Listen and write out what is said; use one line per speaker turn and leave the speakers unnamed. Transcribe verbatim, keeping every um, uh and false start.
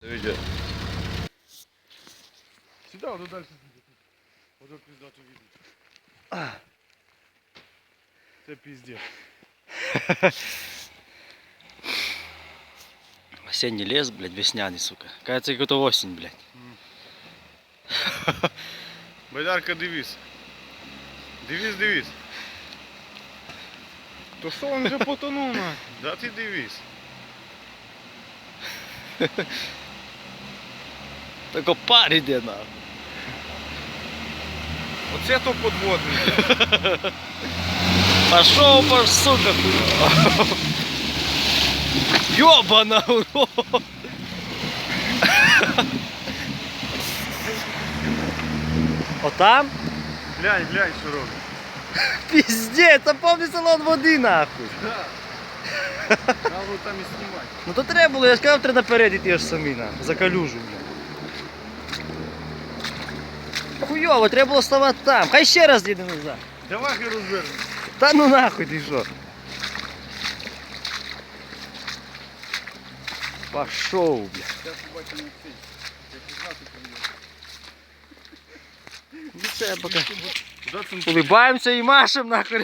Видео.
Сюда, вот дальше. Вот это пиздато видно. Это пиздец.
Осенний лес, блядь, весняный, сука. Кажется, как это осень, блядь.
Байдарка, дивись. Дивись, дивись. То що він вже потонув нахуй? Да ти дивись.
Только пар іде, нахуй.
Оце то подводний.
Пошел, пошел, сука, хуй. Ёбана, урод. Отам?
Глянь, глянь, що робить.
Пиздец, там повний салон води, нахуй.
Да. Треба було там і знімати.
Ну то треба було, я сказав, треба наперед іти аж самі, нахуй, за калюжу, блядь. Хуйово, треба було ставати там. Хай ще раз їде назад.
Давай я розверну.
Та ну нахуй ти що. Пошов, блядь.
Зараз побачимо цей. Як знати,
Ну це поки.
куди це
Улибаємося і машем, нахуй.